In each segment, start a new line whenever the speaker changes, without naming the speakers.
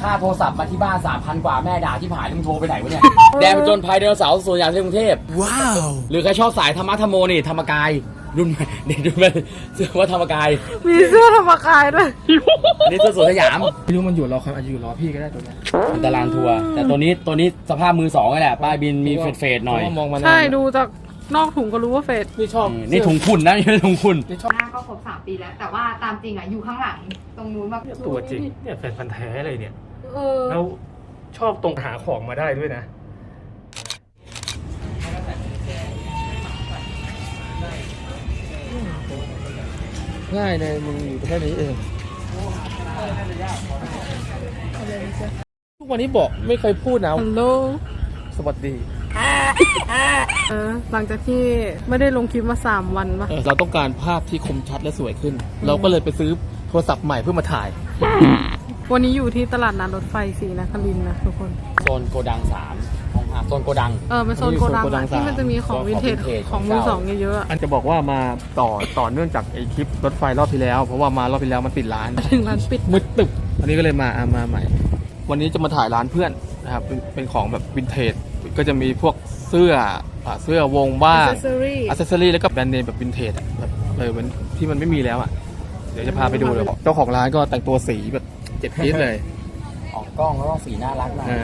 ค่าโทรศัพท์มาที่บ้าน 3,000 กว่าแม่ด่าที่ผายมึงโทรไปไหนวะเนี่ย แดนจนภัยไดโนเสาร์สวนสยามที่กรุงเทพว้าวหรือใครชอบสายธรรมะธรรมโมนี่ธรรมกายรุ่นเด็กรุ่นเสื้อว่าธรรมกาย
มีเสื้อธรรมกายด้วย
อันนี้เสื้อสวนสยาม
ไม่รู้มันอยู่รอใครอาจจะอยู่รอพี่ก็ได้ตัวนี้
มันตารางทัวร์แต่ตัวนี้สภาพมือสองนี่แหละป้ายบินมีเฟดหน่อย
มองมา
ใช่ดูจากนอกถุงก็รู้ว่าเฟด
นี่ชอบ
นี่ถุงคุณนะนี่ถุงคุณ
หน้าก็ครบ3 ปีแล้วแต่ว่าตามจริงอ่ะอยู่ข้างหลังตรงนู้นแบบ
ตัวจริงเนี่ยแฟนพันธ์แท้เลยเนี่ยแล้วชอบตรงหาของมาได้ด้วยนะง่ายเลยมึงอยู่แค่นี้เองทุกวันนี้บอกไม่เคยพูดนะ
ฮัลโหล
สวัสดี
หลังจากที่ไม่ได้ลงคลิปมา3 วันปะ
เราต้องการภาพที่คมชัดและสวยขึ้น เราก็เลยไปซื้อโทรศัพท์ใหม่เพื่อมาถ่าย
วันนี้อยู่ที่ตลาดนัดรถไฟศรีนครินทร์นะทุกคน
โซนโกดัง3ของโซนโกดัง
เป็นโซนโกดังที่มันจะมีของวินเทจของมือสองเยอะๆ
อันจะบอกว่ามาต่อเนื่องจากไอคลิปรถไฟรอบที่แล้วเพราะว่ามารอบที่แล้วมันปิดร้าน
ถึงร้านปิด
มืดตึบอันนี้ก็เลยมาใหม่วันนี้จะมาถ่ายร้านเพื่อนนะครับเป็นของแบบวินเทจก็จะมีพวกเสื้อวงบ้างอัซเซอรี่แล้วก็แบรนด์เนมแบบวินเทจแบบเหมือนที่มันไม่มีแล้วอ่ะเดี๋ยวจะพาไปดูเลยเจ้าของร้านก็แต่งตัวสีแบบเจ็บจี๊ดเลย
ออกกล้องแล้วก็สีน่ารักนะ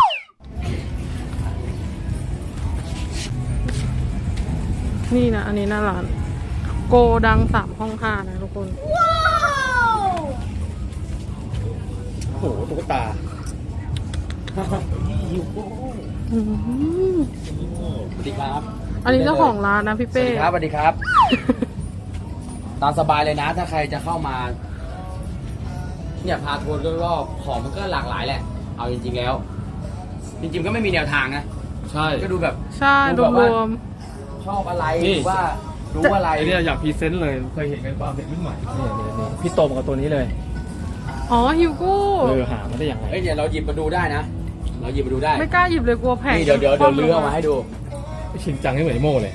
นี่นะอันนี้หน้าร้านโกดัง3 ห้อง 5นะทุกคนว้าว
โอ้โหตุ๊กตา
สวัสดีครับ
อันนี้เจ้าของร้านนะพี่เป้
สวัสดีครับตามสบายเลยนะถ้าใครจะเข้ามาเนี่ยพาทัวร์รอบๆของมันก็หลากหลายแหละเอาจริงๆแล้วจริงๆก็ไม่มีแนวทางนะ
ใช่
ก็ดูแบบ
ใช่รวม
ชอบอะไรหรือว่ารู้อะไร
เนี่ยอยากพรีเซนต์เลยเคยเห็นกันป่าวเด็กรุ่นใหม่นี่พี่โตมากับตัวนี้เลย
อ๋อฮิวโก้
หามาได้ยังไง
เดี๋ยวเราหยิบมาดูได้นะเราหยิบมาดูได้
ไม่กล้าหยิบเลยกลัวแพง
นี่เดี๋ยวเลื้อมาให้ดู
ชิงจังให้เหมือนโม่เลย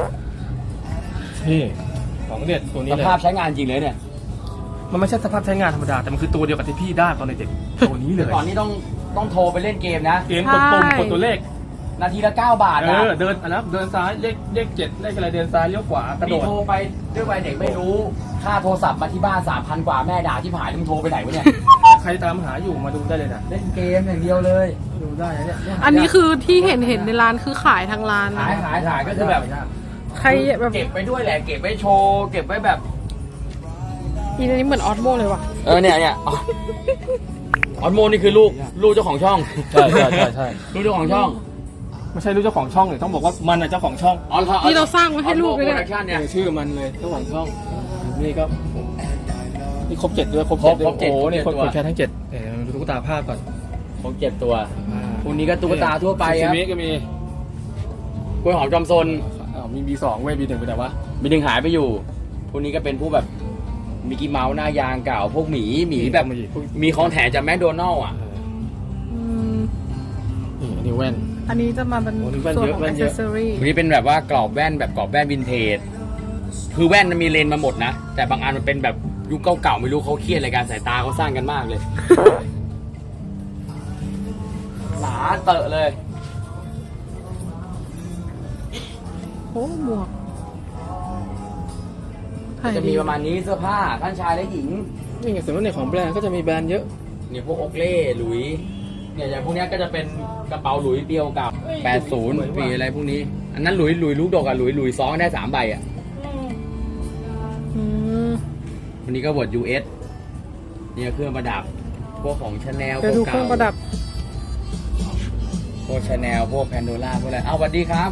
นี่ของเด็ดตัวนี้เลย
สภาพใช้งานจริงเลยเนี่ย
มันไม่ใช่สภาพใช้งานธรรมดาแต่มันคือตัวเดียวกับที่พี่ได้ตอนเด็กตัวนี้เลย
ก่อนนี้ต้องโทรไปเล่นเกมนะ
เกมกดปุ่มกดตัวเลข
นาทีละ9 บาทนะ
เดินนะเดินซ้ายเลข7เลขอะไรเดินซ้ายเลี้ยวขวากระโดด
โทรไปด้วยวัยเด็กไม่รู้ค่าโทรศัพท์มาที่บ้าน 3,000 กว่าแม่ด่าที่ผายมึงโทรไปไหนวะเนี่ย
ใครตามหาอยู่มาดูได้เลยนะ
เล่นเกมอย่างเดียวเลย
ดูได้เนี่ย
อันนี้คือที่เห็นในร้านคือขายทางร้าน
ขายก็คือแบบ
ใครแบบ
เก็บไปด้วยแหละเก็บไว้โชว์เก็บไว้แบบ
อีนี้เหมือนออสโมเลยว่ะ
เนี่ยออสโมนี่คือลูกเจ้าของช่อง
ใช่
ลูกเจ้าของช่อง
ไม่ใช่ลูกเจ้าของช่องเลยต้องบอกว่ามันเจ้าของช่อง
ที่เราสร้างไว้ให้ลูกเลย
เนี่ย
ชื่อมันเลยเจ้าของช่องนี่ก็นี่ครบ7ด้วยครบ7โอ้นี่คนแค่ทั้ง7ดูตุ๊กตาภาพก่อน
ครบ7ตัวพวกนี้ก็ตุ๊กตาทั่วไปครับ
ก็มี
กล้วยหอมจอมซน
มี B2 เว้ย B1 ไปไหนวะ
B1 หายไปอยู่พวกนี้ก็เป็นผู้แบบมิกกี้เมาส์หน้ายางเก่าพวกหมีแบบมีของแถมจากแมคโดนัลล์
อันนี้แว่น
อันนี้จะมาเป็นส่วนของแอคเซสซอรี่
อันนี้เป็นแบบว่ากรอบแว่นแบบกรอบแว่นวินเทจคือแว่นมันมีเลนมาหมดนะแต่บางอันมันเป็นแบบยุคเก่าๆไม่รู้เขาเครียดอะไรกันสายตาเขาสร้างกันมากเลยหนาเตอะเลย
โอ้หมวก
จะมีประมาณนี้เสื้อผ้าท่านชายและหญิง
นี่ไงส่วนในของแบรนด์ก็จะมีแบรนด์เยอะ
เนี่ยพวกโอเคเล่หลุยเนี่ยอย่างพวกนี้ก็จะเป็นกระเป๋าหลุยเดียวกับ80ปีอะไรพวกนี้อันนั้นหลุยลูกดอกอะหลุยซ้อนได้3 ใบอะวันนี้ก็บท US เนี่ยเครื่องประดับพวกของ Chanel
พวกเก่าเครื่องประดับ
พวก Chanel พวก Pandora พวกอะไรสวัสดีครับ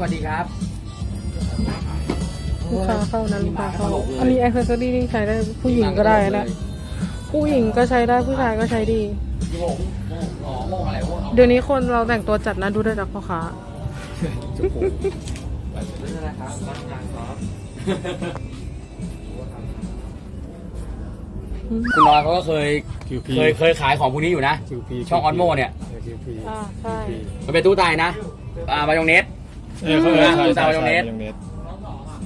ลูกค้าเข้านะลูกค้าเข้าอันนี้แอคเซสซอรี่นี่ใช้ได้ผู้หญิงก็ได้นะผู้หญิงก็ใช้ได้ผู้ชายก็ใช้ดีเดี๋ยวนี้คนเราแต่งตัวจัดนะดูได้จากพ่อค้า
คุณน้อยเขาก็เคยขายของพวกนี้อยู่นะช่องออนโมเนี่ย
ใช่
มันเป็นตู้ไตนะมายองเนสตู้ไตมายองเนส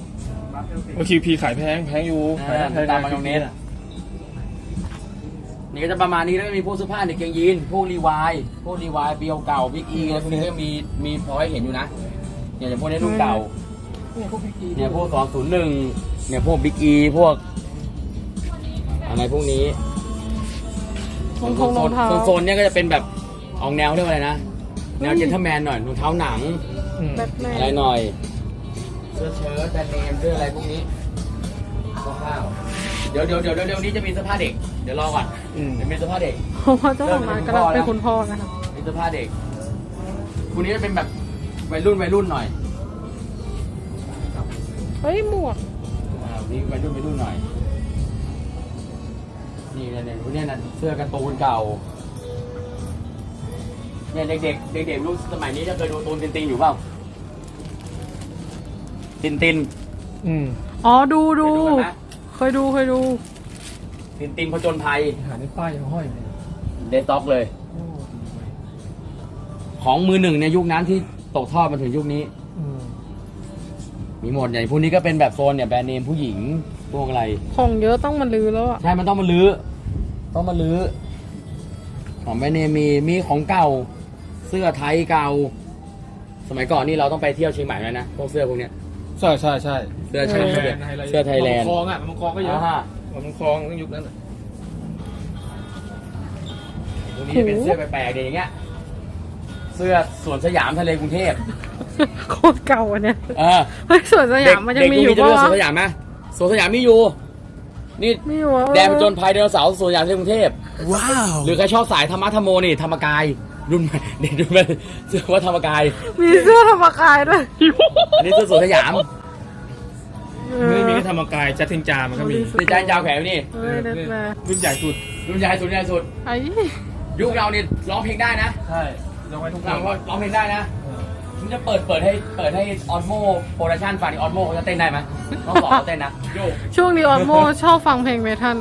คิวพีขายแพงอยู่
ตามมายองเนสนี่ก็จะประมาณนี้แล้วก็มีพวกเสื้อผ้าเด็กเกงยีนพวกรีวายปีเก่าบิ๊กอีอะไรพวกนี้ก็มีพอให้เห็นอยู่นะเนี่ยอย่างพวกนี้รุ่นเก่าเนี่ยพวก201เนี่ยพวกบิ๊กอีพวกอะไรพวกนี้
รองเท้า
โซนเนี่ยก็จะเป็นแบบออกแนวเรียกว่าอะไรนะแนวเจนเทลแมนหน่อยรองเท้าหนัง
แบทแมน
อะไรหน่อยเสื้อเชิ้ตแบรนด์เนมเสื้ออะไรพวกนี้คร่าวๆเดี๋ยวนี้จะมีเสื้อผ้าเด็กเดี๋ยวรอก่อนเดี๋ยวมีเสื้อผ้าเด็ก
เพราะว่าเจ้าของร้านกำลังเป็นคุณพ่อนะคะ
มีเสื้อผ้าเด็กคุณนี้จะเป็นแบบวัยรุ่นหน่อย
เฮ้ยหมวก
นี่วัยรุ่นหน่อยนี่เนี่ยพวกนี้นะเสื้อการ์ตูนเก่าเนี่ยเด็กรุ่นสมัยนี้จะเคยดูการ์ตูนตินอยู่เปล่าติน
อ๋อดู
เคยดูไหม
เคยดู
ตินผจญภัย
หาในป้ายยังห้อยเลย
เดสต็อกเลย ของมือหนึ่งในยุคนั้นที่ตกทอดมาถึงยุคนี้ มีหมดอย่างพวกนี้ก็เป็นแบบโซนเนี่ยแบรนด์เนมผู้หญิงพวกอะไร
ของเยอะต้องมาลือแล้วอ่ะ
ใช่มันต้องมาลื้อของแบรนด์เนมมีของเก่า เสื้อไทยเก่า สมัยก่อนนี่เราต้องไปเที่ยวเชียงใหม่เลยนะพวกเสื้อพวกเนี้ย
ใช่
เสื้อไทยแลนด์เสื้อไทยแลนด์
มังคองอ่ะมังคองก็เยอะ
อ่า
มังคองตั้งยุคนั้นอ่ะ
พวกนี้จะเป็นเสื้อแปลกๆอย่างเงี้ย เสื้อสวนสยามทะเลกรุงเทพ
โคตรเก่าอันเนี้ย
เออ
เฮ้ยสวนสยามมันยังมีอยู่
เด็ก
ปะ
จะเลือก
วะ
สวนสยามไหมสวนสยามมีอยู่ นี่
มีอยู่วะ
แดนผจญภัยไดโนเสาร์สวนสยามที่กรุงเทพ
ว้าว
หรือใครชอบสายธรรมะธรรมโมนี่ธรรมกายรุ่นใหม่เด็กรุ่นใหม่เสื้อว่าธรรมกาย
มีเสื้อธรรมกายด้วย
อันนี้เสื้อสวนสยาม
ไม่ได้มีแค่ธรรมกายจัดทิงจามันก็มี
ติดใจยาวแขนนี่
เฮ้ยเด็ดแม่
รุ่นใหญ่สุด
รุ่นใหญ่สุด
ไอ้
ยุคเรานี่ร้องเพลงได้นะ
ใช่ลงไว้ทุกค
เรา
น
ก็ร้องเพลงได้นะมันจะเปิดให้ออสโมโปรดักชั่นฟังออสโมเขาจะเต้นได้ไหมต้องสอนเขาเต้นนะโยก
ช่วงนี้ออนโมชอบฟังเพลงเมทัล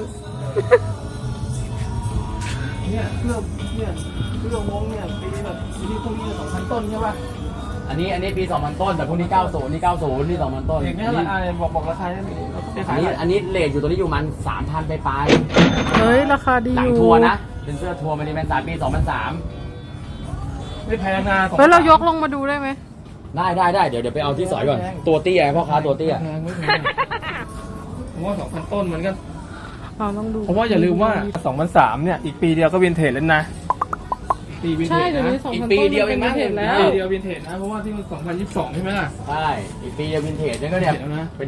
เนี่ยเสื้อวงเนี่ยปีแบบปีพวกนี้2,000 ต้นใช่ป่ะ
อันนี้ปี 2000 ต้นแต่พวกนี้ 90 นี่ 90 นี่ 2000 ต้น
เด็กนี่เท่าไหร่บอกราคาได้ไหมไปขาย
อันนี้เลทอยู่ตัวนี้อยู่มัน 3,000 ไป
เฮ้ยราคาดี
หลั
อง ยู่
ทัวร์นะ เป็นเสื้อทัวร์มันนี่เป็น3ปี 2003
ไม่แพงนะ
เฮ้ยเรายกลงมาดูได้ไหม
ได้เดี๋ยวไปเอาที่สอยก่อน ตัวเตี้ยพ่อค้าตัวเตี้ย
ไม่แพงผมว่า 2,000 ต้นมันก็
เราต้องดู
เพราะว่าอย่าลืมว่า2003เนี่ยอีกปีเดียวก็วินเทจแล้วนะปีวินเท
ใช่
จ
เดี๋ยว
นะ
นี้2,000
อีก
ต้น
ปีเดียวเองมั้ง
เห็นแล้ว
ปีเดียววินเทจนะเพราะว่าที่มัน2022ใช่ไหมล่ะ
ใช่ อีกปีจะวินเทจเนี่ยก็เนี่ย
เดี๋ยวนะ
เป็น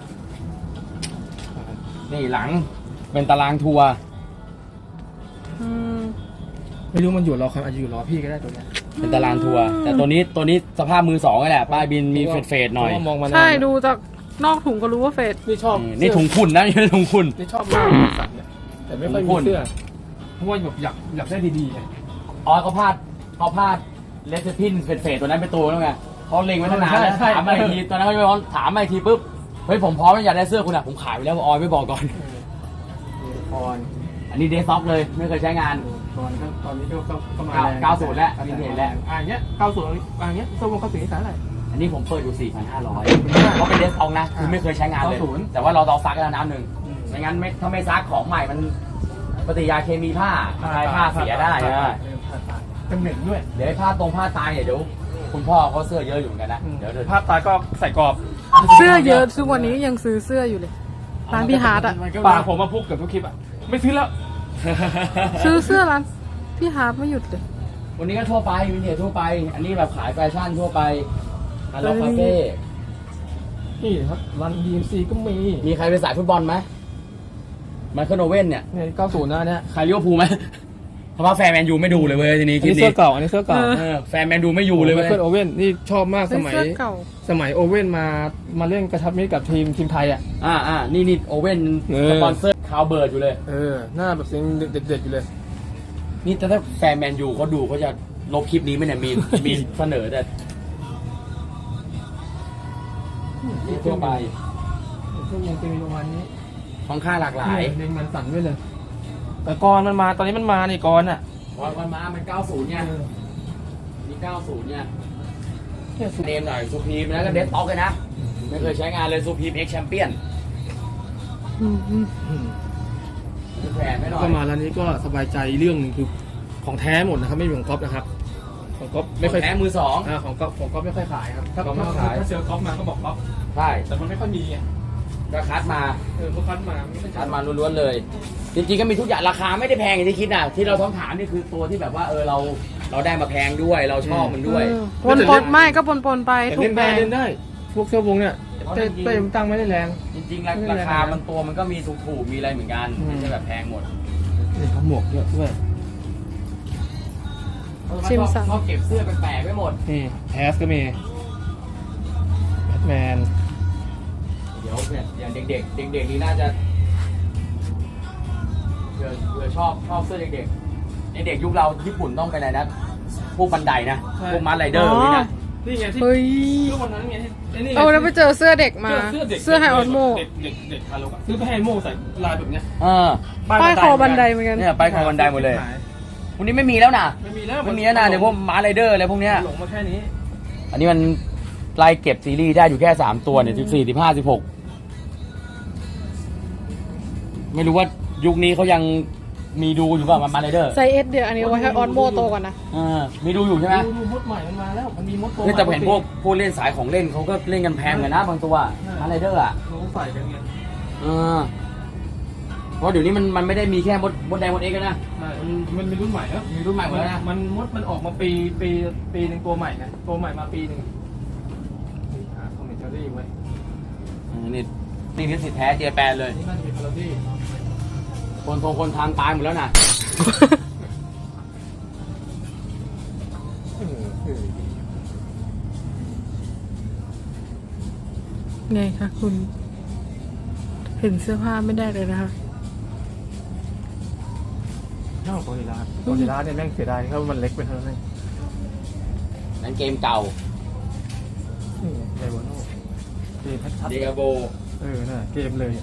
นี่หลัง เป็นตารางทัวร์
อืม
ไม่รู้มันอยู่รอใครอาจจะอยู่รอพี่ก็ได้ตัวเนี้ย
เป็นตารางทัวร์ แต่ตัวนี้สภาพมือสองนี่แหละ ป้ายบินมีเฟดหน่อย
เพราะว่ามองมานาน
ใช่ดูจากนอกถุงก็รู้ว่าเฟด
นี่ชอบ
นี่ถุงคุณนะนี่ถุงคุณ
นี่ชอบมากสัตว์เนี่ยแต่ไม่ค่อยมีเสื้อเพราะว่าแบบอยากได้ดีๆไง
อ๋อเขาพลาดเลสพินเฟดตัวนั้นเป็นตัวแล้วไงเขาเล็งไว้ตั้งนานแล้ว
ใช่
ถามมาอีกทีตอนนั้นเขาไม่พร้อมถามมาอีกทีปุ๊บเฮ้ยผมพร้อมแล้วอยากได้เสื้อคุณอ่ะผมขายไปแล้วออยไม่บอกก่อน
ก่อน
อันนี้เดสซ็อกเลยไม่เคยใช้งาน
ก่อนก็ตอนนี้ก็มา
90แล้ววินเทจแล้ว
เงี้ย90เงี้ยตัววง90นี่ขายอะไร
อันนี้ผมเปิดอยู่ 4,500เขาเป็นเดสซ็อกนะคือไม่เคยใช้งานเลย
90
แต่ว่าเราต้องซักแล้วน้ำหนึ่งไม่งั้นถ้าไม่ซักของใหม่มันปฏิกิริยาเคมีผ้าทายผ้าเสียได้นะ
เป็นเหม็นด้วย
เดี๋ยวให้ผ้าตายเนี่ยเดี๋ยวคุณพ่อเขาเสื้อเยอะอยู่เหมือนกันนะเดี๋ยว
ภาพตายก็ใส่กรอบ
เสื้อเยอะทุกวันนี้ยังซื้อเสื้ออยู่เลยร้านพี่ฮาร์ดอ่ะ
ปากผมมาพูดเกือบทุกคลิปอ่ะไม่ซื้อแล้ว
ซื้อเสื้อร้านพี่ฮาร์ดไม่หยุดเลย
วันนี้ก็ทั่วไปวินเทจทั่วไป อันนี้แบบขายแฟชั่นทั่วไปฮัลโหลคาเฟ่
นี่ครับรัน DMC ก็มี
มีใครเป็นสายฟุตบอลไหมไมเคิลโอเว่นเนี่ย
เนี่ย90นะเนี่ย
ใครลิเวอร์พูลไหมเพราะว่าแฟนแมนยูไม่ดูเลยเว้ยทีนี้
อันนี้เสื้อเก่าอันนี้เสื้อเก่า
แฟนแมนยูไม่อยู่เลย
ไม
เว้ย
เคิลโอเว่นนี่ชอบมากส
ซื้อ
มัย
เสื้อเก่า
สมัยโอเว่นมาเล่นกระชับมิตรกับทีมไทยอ่ะ
นี่โอเว่น
เออ
สปอนเซอร์คาวเบิร์ดอยู่เลย
หน้าแบบเสียงเด็ดๆอยู่เลย
นี่ถ้าแฟนแมนยูเขาดูเขาจะลบคลิปนี้ไหมเนี่ยมีเสนอแต่ทั่วไป
พวกยังจะมีประมาณนี้
ของค่าหลากหลาย
เล็งมันสั่นด้วยเลย แต่กรมันมาตอนนี้มันมานี่กรอ่ะ
วันมามัน 90 เนี่ยนี่90 เนี่ย
เนี่ยสุด
เนมหน่อยซูพีมแล้วก็เดสต็อกเลยนะ ไม่เคยใช้งานเลยซูพีมเอ็กแชมเปี้ยน
อืม
นแผนไม่หน่อย
ก็มาร้านนี้ก็สบายใจเรื่องหนึงคือของแท้หมดนะครับไม่มีของก๊อปนะครับของก๊อปไม่ค่อย
แท้มือสอง
ของก๊อปไม่ค่อยขายครับถ้า
ก๊อปไม่ค่อยขาย
ถ้าเจอก๊อปมาก็บอกก๊อป
ใช่
แต่มันไม่ค่อยมีไง
ก็คัดมา
พวกคัดมาไม่ค่อย
คัดมาล้วนๆเลย จริงๆก็มีทุกอย่างราคาไม่ได้แพงอย่างที่คิดนะที่เราต้องถามนี่คือตัวที่แบบว่าเราได้มาแพงด้วยเราชอบมันด้วย
ปนไม่ก็ปนไป
แต่
ถู
เล่
ก
น
แพ
ได้
ง
เล่นได้ พวกเสื้อวงเนี่ยเต้มตังไม่ได้แรง
จริงๆราคามันตัวมันก็มีถูกๆมีอะไรเหมือนกัน
อืม
ไม่ใช่แบบแพงหมด
นี่เขาหมวกเยอะด้วย
ชิมสั่ง
ชอบเก็บเสื้อแปลกๆไว้หมด
นี่แฮสก็มีแบทแมน
เดี๋ยวเนี่ยอย่างเด็กๆเด็กๆนี่น่าจะเผื่อชอบเสื้อเด็กๆเด็กๆยุคเราญี่ปุ่นต้องไปไหนนะพวกบันไดนะพวกมาร์ไรเดอร์นี่นะ
นี่ไงที่
เฮ้ย
รูปวันนั้นไงไอ้นี่ไง
เอาแล้วไปเจอเสื้อเด็กมา เสื้อไฮออนโม
เด็กคาร์โลซื้อไปให้โมใส่ลายแบบเนี้ย
ป้ายคอบันไดเหมือนกัน
เนี่ยไปคอบันไดหมดเลยพวกนี้ไม่มีแล้วนะ
ไม่มีแล้ว
ไม่มีแล้วนะเดี๋ยวพวกมาร์ไรเดอร์อะไรพวกเนี้ย
หลงมาแค่นี้
อันนี้มันไล่เก็บซีรีส์ได้อยู่แค่3ตัวเนี่ย14 15 16ไม่รู้ว่ายุคนี้เขายังมีดูอยู่ป่ะมาร์ไรเดอร์
ไซส์เอสเดียวอันนี้เอาไว้ให้ออนโมโตก่อนนะ
มีดูอยู่ใช่ไหม
ดูมดใหม่มันมาแล้วมันมีมดโต
นี่แต่เห็นพวกเล่นสายของเล่นเขาก็เล่นกันแพงเหมือนกันนะบางตัวมาร์ไรเดอร์อ่ะ
เขาใส่กันไง
เพราะเดี๋ยวนี้มันไม่ได้มีแค่มดแดงมดเอ็กซ์แล้วนะ
มันมีรุ่นใหม่แล้ว
มีรุ่นใหม่หมดแล้วนะ
มันออกมาปีหนึ่งตัวใหม่นะตัวใหม่มาปีหนึ่งคอมเมนต์รี่ไว้
นี่ลิขสิทธิ์แท้เจแปนเลย
นี่น่าจะเป็นพาราดี้
คนทำตายหมดแล้วนะ
ไงคะคุณ เห็นเสื้อผ้าไม่ได้เลยนะคะ
นอกโกลิลาเนี่ยแม่งเสียดายเพราะมันเล็กไปเท่านั้นเอง
นั่นเกมเก่า
นี่ไดโวโน่เกมชัด
เดกาโบ
น่ะเกมเลย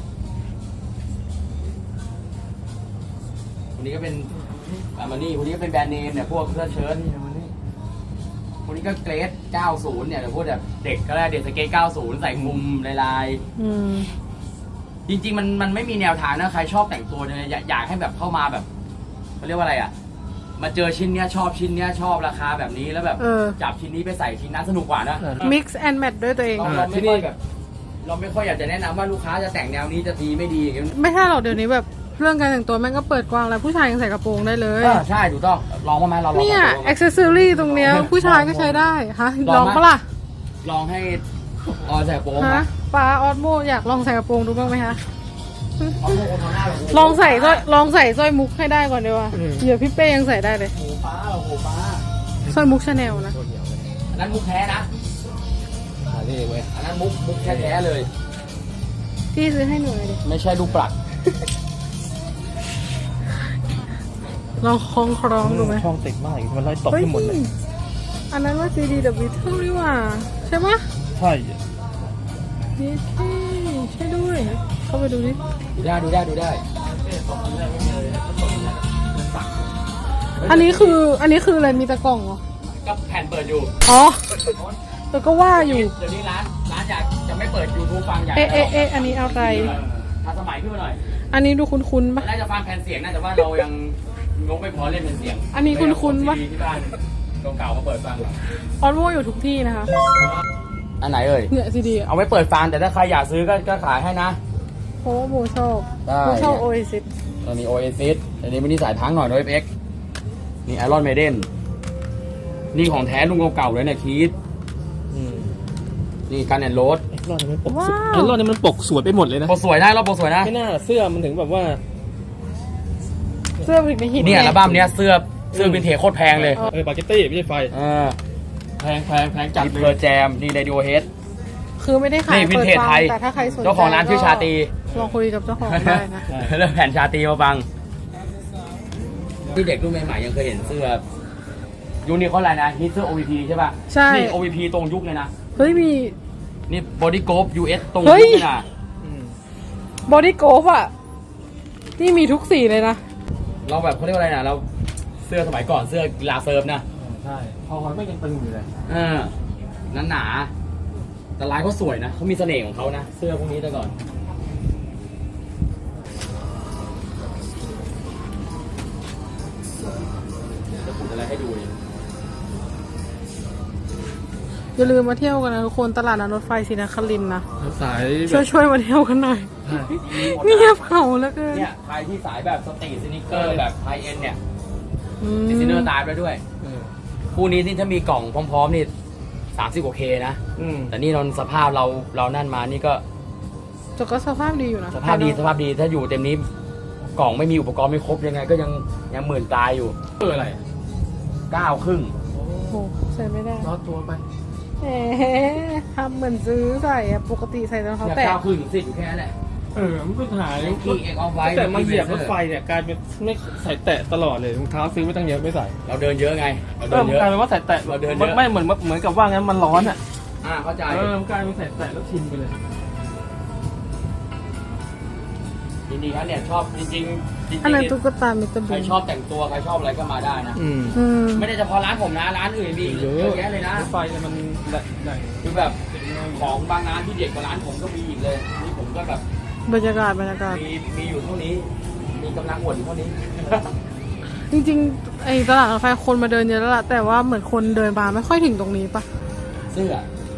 คนนี้ก็เป็นอามานี่คนนี้ก็เป็นแบรนด์เนมเนี่ยพวกเสื้อเชิ้ต
นี่มันนี่
คนนี้ก็เกรด 90 เนี่ยเดี๋ยวพวกแบบเด็กก็ได้เด็กสเกต 90 ใส่มุมลาย
อืม
ๆจริงๆมันไม่มีแนวทางนะใครชอบแต่งตัวเนี่ยอยากให้แบบเข้ามาแบบเขาเรียกว่าอะไรอ่ะมาเจอชิ้นเนี้ยชอบชิ้นเนี้ยชอบราคาแบบนี้แล้วแบบ จับชิ้นนี้ไปใส่ชิ้นนั้นสนุกกว่านะ
mix and match ด้วยตัวเอง
เราไม่ค่อยแบบเราไม่ค่อยอยากจะแนะนำว่าลูกค้าจะแต่งแนวนี้จะดีไม่ดีอย่างเงี้ย
ไม่ใช่หรอกเดี๋ยวนี้แบบเรื่องการแต่งตัวแม่งก็เปิดกว้างแล้วผู้ชายยังใส่กระโปรงได้เลย
ใช่ถูกต้องลองมาไหมเราลอง
เนี่ย
แต่งตัวมา
accessory ตรงเนี้ยผู้ชายก็ใช้ได้ฮะลองปะล่ะ
ลองให้ออนใส่กระโปรง
ฮะ
มา
ป้าออสโมอยากลองใส่กระโปรงดูบ้างไหมคะ
เอาพวกคนทำหน้าแบบ
ลองใส่สร้อยมุกให้ได้ก่อนดีกว่าเดี๋ยวพี่เป้ยังใส่ได้เลย
โอ้โหป้าโอ้โหป้า
สร้อยมุกชาแนลนะ
อันนั้นมุกแท้นะ
นี่เว้ย
อันนั้นมุกแท้ๆเลย
พี่ซื้อให้หนูหน่อยดิ
ไม่ใช่ลูกปลัก
ลองคล้องดูไหม
ช่องติดมากมันไล่ตบ
เฮ้ย
ให้หมดเลย
อันนั้นว่า CD The Beatles นี่หว่าใช่ปะ
ใช่
นี่ใช่ด้วย เข้าไปดูดิ
ดูได้
อันนี้คืออะไรมีตะกล่องเหรอ
ก็แผ่นเปิดอยู่
อ๋อแต่ก็ว่าอยู่
เดี๋ยวนี้ร้านอยากจะไม่เปิด YouTube ฟังอยาก
อันนี้อะไร
ทันสมัยขึ้นมาหน่อย
อันนี้ดูคุ้นๆปะ
น่าจะฟังแผ่นเสียงนะแต่ว่าเรายังงกไม่พอเล่นแผ่นเสียง
อันนี้คุ้นๆปะ
ที่บ้านเก่าๆมาเปิดฟัง
ออนโวอยู่ทุกที่นะคะ
อันไหนเอ่ย
เนี่ย CD
เอาไว้เปิดฟังแต่ถ้าใครอยากซื้อก็ขายให้นะ
เพราะว่าโบชอบ
ได้
โบชอบ Oasis
อันนี้ Oasis อันนี้ไม่นี่สายทั้งหน่อย OFX นี่ Iron Maiden นี่ของแท้ลุงเก่าๆเลยเนี่ยคีดนี่กันแอนโรส
ไอ้รอดนี่มันปก
ว้าว
ไอ้รอดนี่มันปกสวยไปหมดเลยนะ
โปรสวยนะเราโปรสวยนะ
ไม่น่าเสื้อมันถึงแบบว่า
เสื้อผลิตในหิน
เนี่ยอัลบั้มเนี้ยเสื้อวินเทจโคตรแพงเลย
ปาเกตตี้ไม่ใช่ไฟ
แพงจัดเพอร์แจมนี่ Radiohead
คือไม่ได้ขาย
นี่วิน
เปิด
เทจ
ฟัง
ไทย
แต่ถ้าใครสนใจ
เจ้าของร้านชื่อชาตรี
ลองคุยกับเจ้าของได้นะ
เริ่มแผ่นชาตรีมาฟังที่เด็กรุ่นใหม่ๆยังเคยเห็นเสื้อยุคนี้เขาอะไรนะฮิตเสื้อ OVP ใช่ป่ะ
ใช่
นี่ OVP ตรงยุคเลยนะ
เฮ้ยมี
นี่ Body Group US ตรง
เฮ้
ยุ
ย
คเลยนะ
บอดี้โกฟอ่ะ นี่มีทุกสีเลยนะ
เราแบบเขาเรียกว่าอะไรนะเราเสื้อสมัยก่อนเสื้อกีฬาเซิร์ฟนะ
ใช่พอมันไม่ยังตึงอยู่เลย
นั้นหนาแต่ลายเขาสวยนะเขามีเสน่ห์ของเขานะเสื้อพวกนี้แต่ก่อนอะไรให้ดูเลย
อย่าลืมมาเที่ยวกันนะทุกคนตลาดนัดรถไฟศรีนครินทร์นะ
สายแบ
ช่วย
บ
มาเที่ยวกันหน่อย
ใช่
เงียบเขาแล้วกัน
เนี่ยใครที่สายแบบสตรีทสนิเกอร์แบบไฮเอ็นเนี่ย
อืม
ดิสเนอร์ตายไปด้วย
เออ
คู่นี้นี่ถ้ามีกล่องพร้อมๆนี่30 กว่าเคนะ
อืม
แต่นี่เราสภาพเรานั่นมานี่ก็
แต่ก็สภาพดีอยู่นะ
สภาพดีถ้าอยู่เต็มนี้กล่องไม่มีอุปกรณ์ไม่ครบยังไงก็ยังหมื่นตายอยู่
อะไร
9 ครึ่ง
โอ้โหใส่ไม่ได้
รอดตัวไป
แหมทำเหมือนซื้อใส่อะปกติใส่รองเท้า
เนี่ย
แตะ
9 ครึ่งถึง10อยู่แค่นั้นแหละ
มันเป็นหาย
ไนกี้เอ็กออฟไวท์
แต่มาเหยียบรถไฟเนี่ยกลายเป็นไม่ใส่แตะตลอดเลยรองเท้าซื้อไม่ตั้งเยอะไม่ใส่
เราเดินเยอะไงเรา
เอ
เดิ
อน มัน
เยอะ
กลายเป็นว่าใส่แตะ
เราเดินเย
มัน
อะ
ไม่เหมือนกับว่างั้นมันร้อนอ่ะ
เข้าใจ
มันกลายเป็นใส่แตะแล้วชินไปเลย
จริงๆแล้วเนี่ยชอบจริงๆ
อันนั้นตุ๊กตามิสเตอร์
ใคร
บีน
ชอบแต่งตัวใครชอบอะไรก็มาได้นะ
อืม
อืม
ไม่ได้เฉพาะร้านผมนะร้านอื่นมีอีกเยอะแยะเลยนะ
รถไฟเนี่ยมันแหล่ง
คือแบบของบางร้านที่เด็ดกว่าร้านผมก็มีอีกเลยนี่ผมก็แบบ
บรรยากาศ
มีอยู่เท่านี้ มีกำลังอวดอยู่เท่านี้
จริงๆไอ้ตลาดรถไฟคนมาเดินเยอะแล้วล่ะแต่ว่าเหมือนคนเดินมาไม่ค่อยถึงตรงนี้ปะ
เสื้อ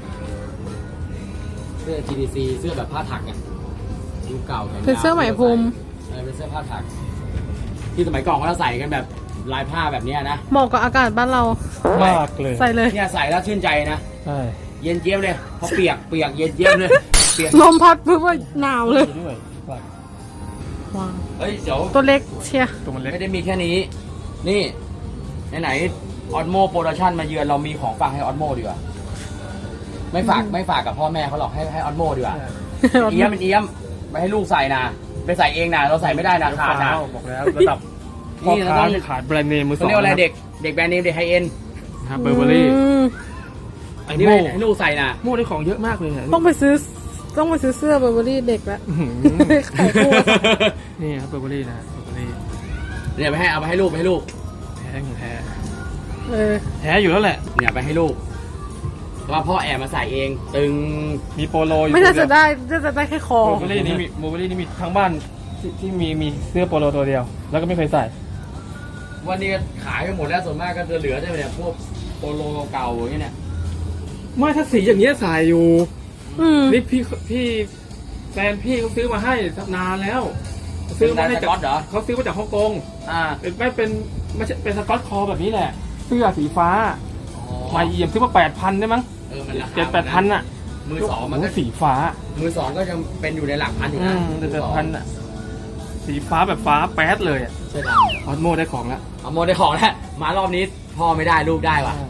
GDC เสื้อแบบผ้าถักอ่ะยุคเก่าแขนยาว
เป็นเสื้อไหมพรม
เป็นเสื้อผ้าถัก ที่สมัยก่อนเขาจะใส่กันแบบลายผ้าแบบเนี้ยนะ
เหมาะกับอากาศบ้านเรา
มากเลย
ใส่เลย
เนี่ยใส่แล้วชื่นใจนะ
ใช่
เย็นเจี๊ยบเลยเพราะเปียกเย็นเจี๊ยบเลยเปียก
ลมพัดปุ๊บว่าหนาวเลย
ด้วย
ว้าว
เฮ้ยเดี๋ยว
ตัวเล็กเชียร์
ตัวมันเล็ก
ไม่ได้มีแค่นี้ นี่ไหนออดโมโปรดักชั่นมาเยือนเรามีของฝากให้ออดโมดีกว่า ไม่ฝากกับพ่อแม่เขาหรอกให้ออดโมดีกว่าเอี้ยมเป็นเอี้ยมไปให้ลูกใส่นะไปใส่เองนะเราใส่ไม่ได้นะขาดนะ
บอกแล้วระดับพ่อ
นี่เรา
ค้า
ต้อง
ที่ขายแบรนด์เนมมือส
เขา
อง
เรียกว่าอะไรเด็กแบรนด์เนมเด็กไฮเอ็น
ครับเบอร์เบอรี่
ม
ไอ้
นี่
โม่
ให้ลูกใส่นะ
โม่ได้ของเยอะมากเลยเนี่ย
ต้องไปซื้อเสื้อเบอร์เบอรี่เด็กละ
อื้อหือ
ขายคู่กัน
นี่ครับเบอร์เบอรี่นะเบอร์เบอรี่
เนี่ยไปให้เอาไปให้ลูก
แท้ของแท้
เออ
แท้อยู่แล้วแหละ
เนี่ยไปให้ลูกเพราะว่าพ่อแอบมาใส่เอง ตึง
มีโปโลอยู่
ไม่น่าจะ
ตัวเดียว
ได้น่าจะได้แค่คอ
โมเบอรี่นี่มีทั้งบ้านที่มีเสื้อโปโลตัวเดียว แล้วก็ไม่เคยใส่
วันนี้ขายไปหมดแล้วส่วนมากก็จะเหลือได้เนี่ยพวกโปโลเก่าๆอย่างเงี้ยเนี่ย
ไม่ถ้าสีอย่างเงี้ยใส่อยู่
อืม
นี่พี่แฟนพี่เขาซื้อมาให้นานแล้วซื้อมาให้จาก
เป็นลายสก๊อตเหรอ
เขาซื้อมาจากฮ่องกง
อ่า
ไม่ใช่เป็นสก๊อตคอแบบนี้แหละ เสื้อสีฟ้ามาเยี่ยมซื้อมา8,000ได้มั้ง
มันราคา
7-8,000อ่ะ
มือสองมันก็
โโหสีฟ้า
มือสองก็ยังเป็นอยู่ในหลักพันอยู่นะ
แต่8,000อ่ะสีฟ้าแบบฟ้าแป๊ดเลยอ่ะ
ใช่ด
ออสโมได้ของแล้ว
ำเอาโมได้ของแล้วมารอบนี้พ่อไม่ได้ลูกได้ว่ะ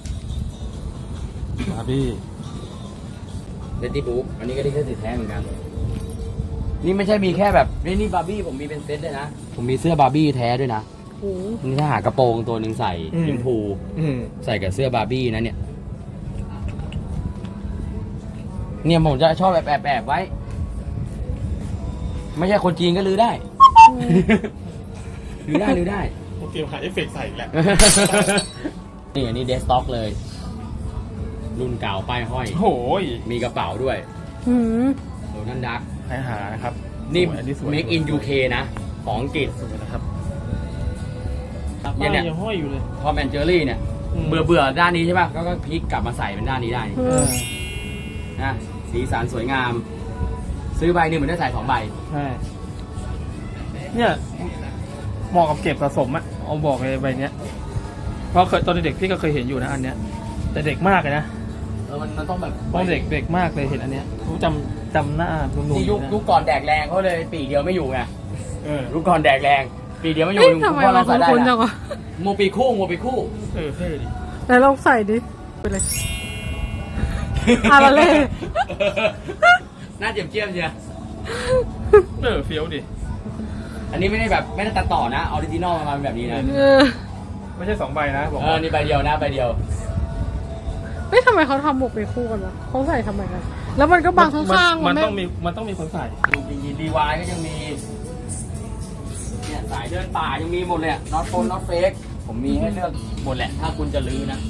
บาร์บี้
เดนตี้บุ๊กอันนี้ก็ได้แค่ติดแท้เหมือนกัน นี่ไม่ใช่มีแค่แบบนี่บาร์บี้ผมมีเป็นเซตด้วยนะ ผมมีเสื้อบาร์บี้แท้ด้วยนะ
โอ้โห
นี่ถ้าหากระโปรงตัวหนึ่งใส่ยิมพู ใส่กับเสื้อบาร์บี้นะเนี่ย เนี่ยผมจะชอบแอบไว้ ไม่ใช่คนจีนก็ลือได้ ลือได้
โอเคหาเอฟเฟกต์ใส่อีกแล้ว
นี่อันนี้เดสต็อกเลย รุ่นเก่าป้ายห้อย
โอ้ย
มีกระเป๋าด้วย
อืม
โดนันดัก
ใครหานะครับ
นี่
สวยอัสวย
make in UK นะ ของอังกฤษ
สวยนะครับ
เนี่ยเนี่ย
ยังห้อยอยู่เลย
พอแมนเจอรี่เนี่ย
อืม
เบื่อด้านนี้ใช่ป่ะก็พลิกกลับมาใส่เป็นด้านนี้ได้
เออ
นะสีสันสวยงาม ซื้อใบหนึ่งเหมือนได้ใส่2 ใบ
ใช่เนี่ยเหมาะกับเก็บสะสมอะเอาบอกเลยใบเนี้ยเพราะเคยตอนเด็กพี่ก็เคยเห็นอยู่นะอันเนี้ย แต่เด็กมากเลยนะ
มันต้องแบบ
ตอนเด็กมากเลยเห็นอันเนี้ยรู้จำหน้านุ่มๆ
ที่ยุค
นะ
ก่อนแดกแรงเขาเลยปีเดียวไม่อยู่ไง
เออ
ยุคก่อนแดกแรง ปีเดียวไม่อยู่
เอ๊ะทำไม
พ่อ
มั
เรา
น
ใส่ได้
คุ้นๆจั
นะ
งวะ
โมปีคู่
เออเท่ดิ
ไหนลองใส่ดิไปเลย อะไรเลย
หน้าเจียมเจียม
เออเฟี้ยวดิ
อันนี้ไม่ได้ตัดต่อนะออริจินอลมาเป็นแบบนี้นะ
เออ
ไม่ใช่2 ใบนะบอก
นี่ใบเดียวนะใบเดียว
เฮ้ยทำไมเขาทำหมวกไปคู่กันวะเขาใส่ทำไมกันแล้วมันก็บังข้างๆ
มัน
ไม่
ด
ต้องมีคนใส่
ีดีวายก็ยังมี เนี่ยสายเดินป่ายังมีหมดเลยน็อตโฟนน็อตเฟกผมมีให้เลือกหมดแหละ ถ้าคุณจะลื้อนะ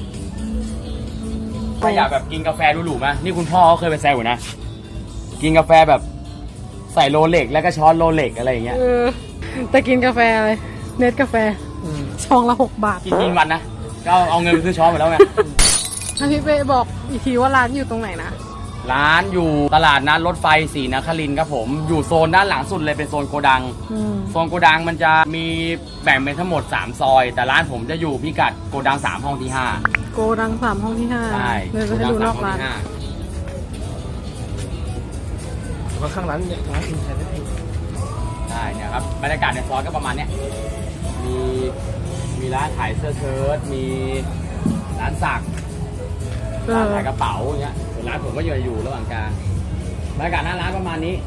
ถ้าอยากแบบกินกาแฟหรูๆไหมนี่คุณพ่อเขาเคยไปแซวอยู่นะ กินกาแฟแบบใส่โรเล็กแล้วก็ช้อนโรเล็กอะไรอย่างเงี้ย
เออ แต่กินกาแฟอะไรเน็ตกาแฟ
อืม
ช้อนละ6 บาท
กินวันนะก็เอาเงินไปซื้อช้อนไปแล้วไง
ถ้าพี่เป้บอกอีกทีว่าร้านอยู่ตรงไหนนะ
ร้านอยู่ตลาดนัดรถไฟศรีนครินทร์ครับผมอยู่โซนด้านหลังสุดเลยเป็นโซนโกดัง โซนโกดังมันจะมีแบ่งเป็นทั้งหมด3ซอยแต่ร้านผมจะอยู่พิกัดโกดัง3ห้องที่5
โกดัง3 ห้องที่5
ใช่
เลยจะให้ดูนอกร้าน
ว่าข้างร้านเนี่ยร้านอินไทยได้
ใช่เนี่ยครับบรรยากาศในซอยก็ประมาณเนี้ยมีร้านขายเสื้อเชิ้ตมีร้านสักร้านขายกระเป๋าอย่างเงี้ยส่วนร้านผมก็อยู่ระหว่างกลางบรรยากาศหน้าร้านประมาณนี้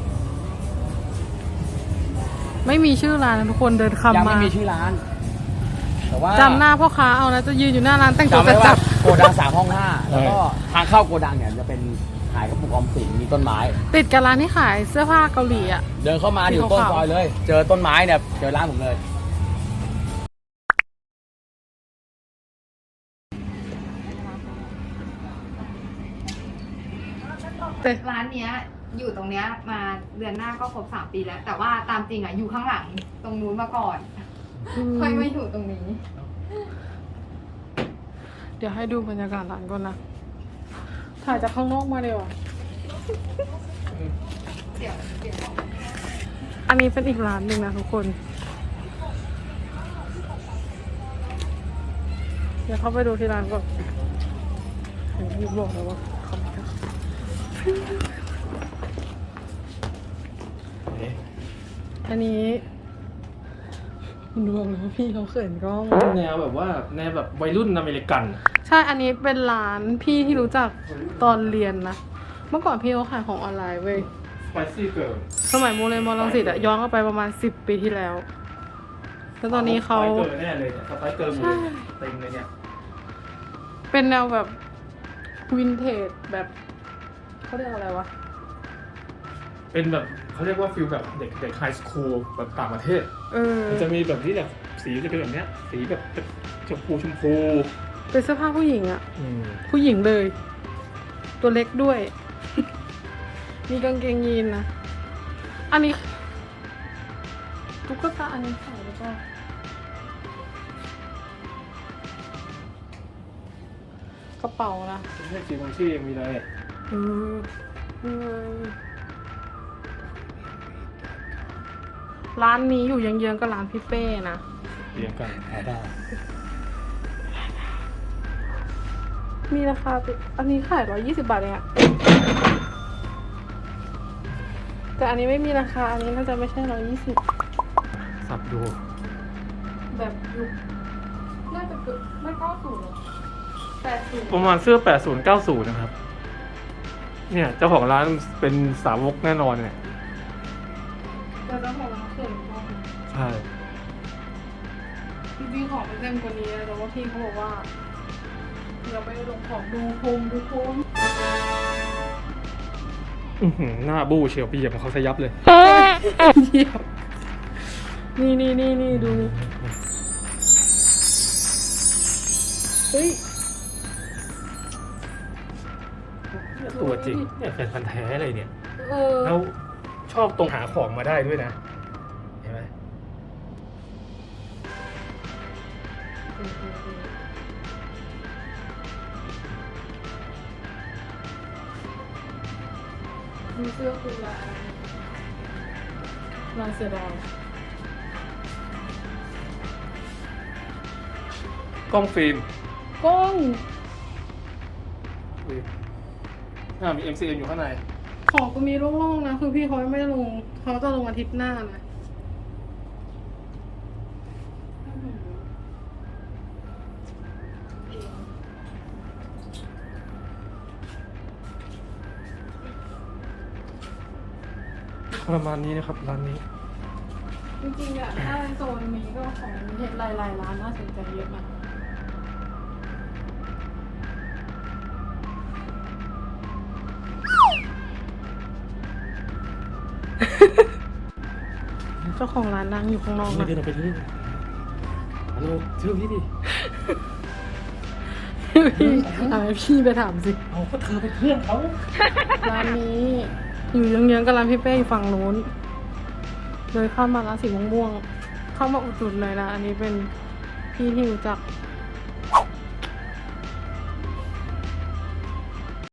ไม่มีชื่อร้านนะทุกคนเดิน
ยัง
คำ
ไม่
มา
มีชื่อร้าน แต่ว่า
จำหน้าพ่อค้าเอานะจะยืนอยู่หน้าร้านแต่งตัว
จำได้
จั
ว่า
ด
โกดัง3ห้อง5แล้วก็ทางเข้าโกดังเนี่ยจะเป็นขายกระปุกออมสินมีต้นไม้
ติดกับร้านที่ขายเสื้อผ้าเกาหลีอ่ะ
เดินเข้ามาอยู่ต้นซอยเลย เจอต้นไม้เนี่ยเจอร้านผมเลย
ร้านเนี้ยอยู่ตรงเนี้ยมาเดือนหน้าก็ครบ3 ปีแล้ว แต่ว่าตามจริงอ่ะอยู่ข้างหลังตรงนู้นมาก่อนค่อยมาอยู่ตรงนี้
เดี๋ยวให้ดูบรรยากาศร้านก่อนนะ ถ่ายจากข้างนอกมาเดี๋ยวา
เดี๋ยว
อันนี้เป็นอีกร้านหนึ่งนะทุกคน เดี๋ยวเข้าไปดูที่ร้านก่อนเห็นพี่บอกแล้วว่าเขาไม่ได้อันนี้คุณดูบอกเลยว่าพี่เขาเขินกล้อง
แนวแบบว่าแนวแบบวัยรุ่นอเมริกัน
ใช่ อันนี้เป็นร้านพี่ที่รู้จักตอนเรียนนะ เมื่อก่อนพี่เขาขายของออนไลน์เว้ย
Spicy Girl
สมัยโมเรนมอลังสิตอะย้อนกลับไปประมาณ10 ปีที่แล้ว แล้วตอนนี้เขา
สไปเกอร์แน่เลยเนี่ยสไปเกอร์หมดเลยเต็มเลยเนี่ย
เป็นแนวแบบวินเทจแบบเขาเรียกอะไรวะ
เป็นแบบเขาเรียกว่าฟิลแบบเด็กไฮสคูลแบบต่างประเทศ มันจะมีแบบที่แบบสีจะเป็นแบบเนี้ย สีแบบชมพู
เป็นเสื้อผ้าผู้หญิงอะผู้หญิงเลย ตัวเล็กด้วย มีกางเกงยีนนะ อันนี้ตุ๊กตาอันนี้ขายแล้วก็กระเป๋านะ
ไม่ใช่จีบางชี่ยังมีเลย
นี่ไงร้านนี้อยู่เยื้องๆกับร้านพี่เป้นะ
เรียงกันหาได้
มีราคาติดอันนี้ขาย120 บาทเองอะแต่อันนี้ไม่มีราคา อันนี้น่าจะไม่ใช่120
สับดู
แบบยุคน่าจะเกิดไม่90หรอ80
ประมาณเสื้อ 80 90 นะครับ เนี่ยเจ้าของร้านเป็นสาวกแน่นอนเนี่ย
แต่เจ้าของร้านเขินมาก
ใช่
จริงๆของมันเต็มกว่านี้นะแต่ว่าพี่เขาบอกว่ายังไม่ได้ลงของดูพรม
หน้าบู้เชียวปีเหยียบของเขาสยับเลย
เยี่ยมนี่ดูนี่เฮ้ย
ตัวจริงเนี่ยแฟนพันธ์แท้เลยเนี่ย
เออ
แล้วชอบตรงหาของมาได้ด้วยนะ เห็นไหม
มีเสื้อคลุมลายเสือดาว
กล้องฟิล์ม
กล้อง
มี MCM อยู่ข้างใน
ของก็มีโล่งๆนะ คือพี่เขาไม่ได้ลงเขาจะลงอาทิตย์หน้านะ
ประมาณนี้นะครับร้านนี้
จริงๆอะถ้าโซนนี้ก็ของเห็นหลายๆร้านน่าสนใจเยอะนะ เจ้าของร้านนั่งอยู่ข้างนอก
ไม่
นะ
เดินออกไปที่ฮัลโหลชื่อพี่ดิ
พี่ไปถามสิ
เอาก็เธอเป็นเพื่อนเขา
ร้านนี้อยู่เยื้องๆกับร้านพี่เป้อยู่ฝั่งนู้นเลยเข้ามาร้านสีม่วงๆเข้ามาอุดหนุนเลยนะ อันนี้เป็นพี่ที่รู้จัก